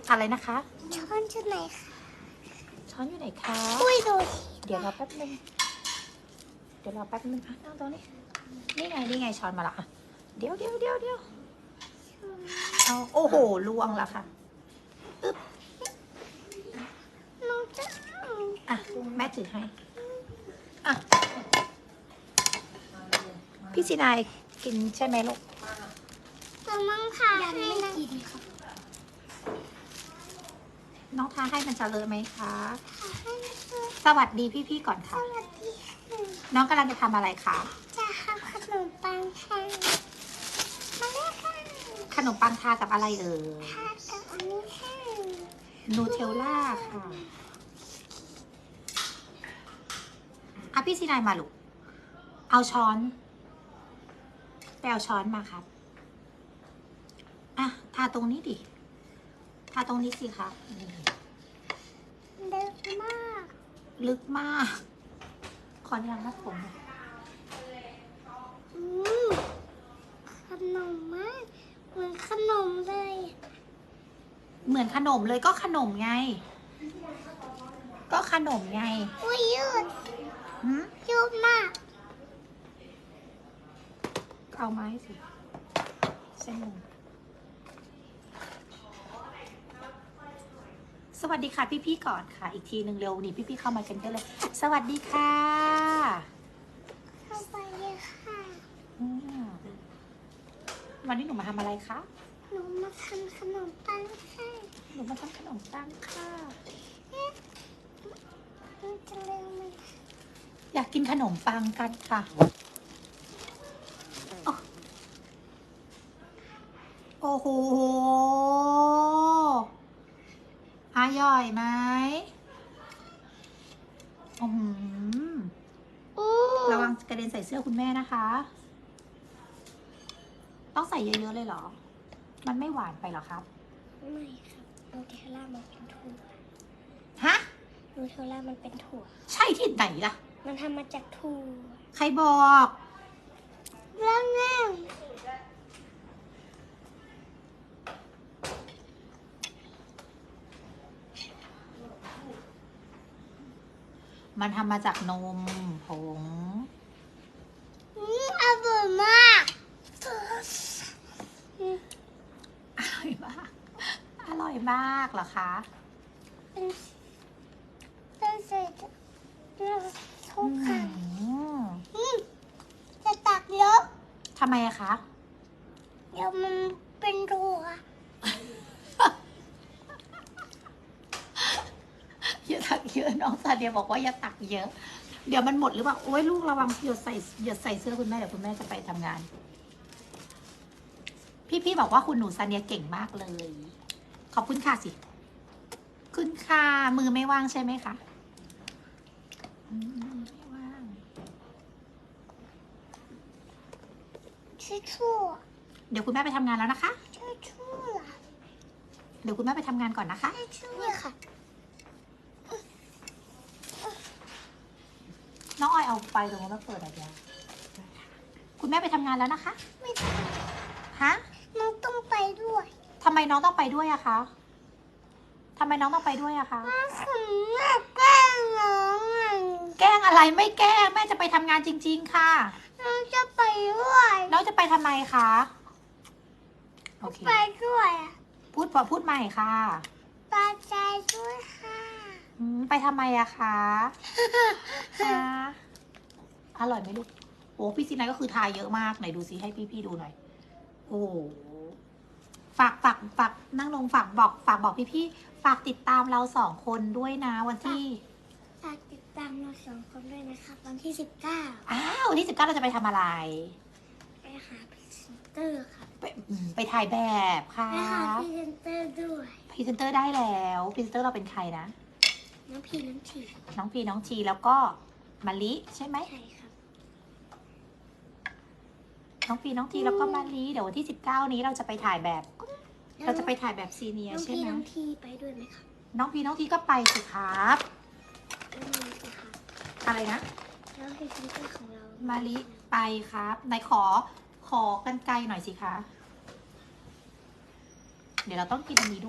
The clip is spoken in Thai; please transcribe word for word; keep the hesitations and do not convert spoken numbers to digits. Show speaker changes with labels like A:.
A: อะไรนะคะ
B: ช้อนชุดไหนคะ
A: ช้อนอยู่ไหนคะ
B: อุ้ยดู
A: เดี๋ยวรอแป๊บนึงเดี๋ยวรอแป๊บนึงอ่ะนั่งตรงนี้นี่ไงนี่ไงช้อนมาละอ่ะเดี๋ยวเดี๋ยวเดี๋ยวเดี๋ยวเอาโอ้โหล่วงแล้วค่ะอึ๊บ
B: น้องจะ
A: อ่ะแม่ถือให้อ่ะพี่ซีนายกินใช่ไหมลูก
B: น้องมั่งค่ะให้นะกินค่ะ
A: น้องทาให้มันจะเลอะไหมคะ
B: ให้ช่วย
A: สวัสดีพี่ๆก่อน
B: ส
A: ค่ะ
B: วัสดีค่ะ
A: น้องกำลังจะทำอะไรคะ
B: จะทำขนมปังค่ะมาเลยค่ะ
A: ขนมปังทากับอะไรเอ่ย
B: ทากับอันนี้ค่ะ
A: นูเทลล่าค่ะอ่ะพี่ซีนายมาลูกเอาช้อนไปเอาช้อนมาครับอ่ะทาตรงนี้ดิทาตรงนี้สิคะนี่
B: เด็กมาก
A: ลึกมาก ขออนุญาตมัดผมหน่อย
B: อืมขนมมากเหมือนขนมเลย
A: เหมือนขนมเลยก็ขนมไง ก็ขนมไง
B: อุ้ยยืด
A: หืม
B: ยืดมาก
A: เอาไม้สิเส้นหนึ่งสวัสดีค่ะพี่ๆก่อนค่ะ อีกทีหนึ่งเร็วนี่พี่ๆเข้ามากันเยอะเลย สวัสดีค่ะ
B: เข้าไปเลยค่ะ
A: อืมวันนี้หนูมาทำอะไรคะ
B: หนูมาทำขนมปังค่ะ
A: หนูมาทำขนมปังค่ะ
B: มันจะเร็วไหม
A: อยากกินขนมปังกันค่ะอ๋อโอ้โหอร่อยไหมอืม
B: อู้
A: ระวังกระเด็นใส่เสื้อคุณแม่นะคะ ต้องใส่เยอะๆเลยเหรอ มันไม่หวานไปเหรอครับ
B: ไม่ครับนูเทลล่ามันเป็นถั่ว
A: ฮะ
B: นูเทลล่ามันเป็นถั่ว
A: ใช่ที่ไหนล่ะ
B: มันทำมาจากถั่ว
A: ใครบอก
B: เรื่องแน่
A: มันทำมาจากนมผง
B: อืมอร่อยมากอืม
A: อร่อยมาก อร่อยมากเหรอคะ
B: เป็นเป็นเศษทุกครั้ง
A: อืม
B: อืมจะตักเยอะ
A: ทำไมอะคะ
B: เดี๋ยวมันเป็นถั่ว
A: อย่าตักเยอะน้องซาเดียบอกว่าอย่าตักเยอะ เดี๋ยวมันหมดหรือเปล่าโอ้ยลูกระวังหยดใส่หยดใส่เสื้อคุณแม่เดี๋ยวคุณแม่จะไปทำงาน พี่ๆบอกว่าคุณหนูซาเดียเก่งมากเลย ขอบคุณค่ะสิคุณค่ะมือไม่ว่างใช่ไหมคะอืมไม่ว่าง
B: ชื่อถั่ว
A: เดี๋ยวคุณแม่ไปทำงานแล้วนะคะ
B: ชื่อถั่ว
A: เดี๋ยวคุณแม่ไปทำงานก่อนนะคะ
B: ชื่อถั่วค่ะ
A: น้องออยเอาไฟตรงนั้นมาเปิดอะไรเดียวคุณแม่ไปทำงานแล้วนะคะ
B: ไม่ได้
A: ฮะ
B: น้องต้องไปด้วย
A: ทำไมน้องต้องไปด้วยอะคะทำไมน้องต้องไปด้วยอะคะ
B: น้องถึงแม่แกล้งน้องอ่ะ
A: แกล้งอะไรไม่แกล้งแม่จะไปทำงานจริง ๆ ค่ะ
B: น้องจะไปด้วย
A: น้องจะไปทำไมคะ โอเค
B: ไปด้วยอ่ะ
A: พูดพอพูดใหม่ค่ะ
B: ปาใจด้วยค่ะ
A: อืมไปทำไมอะคะคะอร่อยไหมลูก โอ้พี่ซีนายก็คือทายเยอะมากไหนดูซิให้พี่ๆดูหน่อย โอ้โหฝากฝากฝากนั่งลงฝากบอกฝากบอกพี่ๆฝากติดตามเราสองคนด้วยนะวันที่
B: ฝากติดตามเราสองคนด้วยนะคะวันที่สิบเก้า
A: อ้าววันที่สิบเก้าเราจะไปทำอะไร
B: ไปหาพรีเซนเตอร์ค่ะ
A: ไปอืมไปถ่ายแบบค่ะ
B: ไปหาพรีเซนเตอร์ด้วย
A: พรีเซนเตอร์ได้แล้วพรีเซนเตอร์เราเป็นใครนะ
B: น้องพีน้องที
A: น้องพีน้องทีแล้วก็มะลิใช่ไหม
B: ใช่ครับ
A: น้องพีน้องทีแล้วก็มะลิเดี๋ยววันที่สิบเก้านี้เราจะไปถ่ายแบบ เราจะไปถ่ายแบบซีเนีย
B: น้อง
A: ใช่
B: พี
A: ไหม
B: น้องทีไปด้วยไหมครับ
A: น้องพีน้องทีก็ไปสิครับ
B: ไม่มีสิครับ
A: อะไรนะ
B: แล้วพรีเซนเตอร์ของเรา
A: มะลิไปครับไหนขอขอกันไกลหน่อยสิคะ เดี๋ยวเราต้องกินอันนี้ด้วย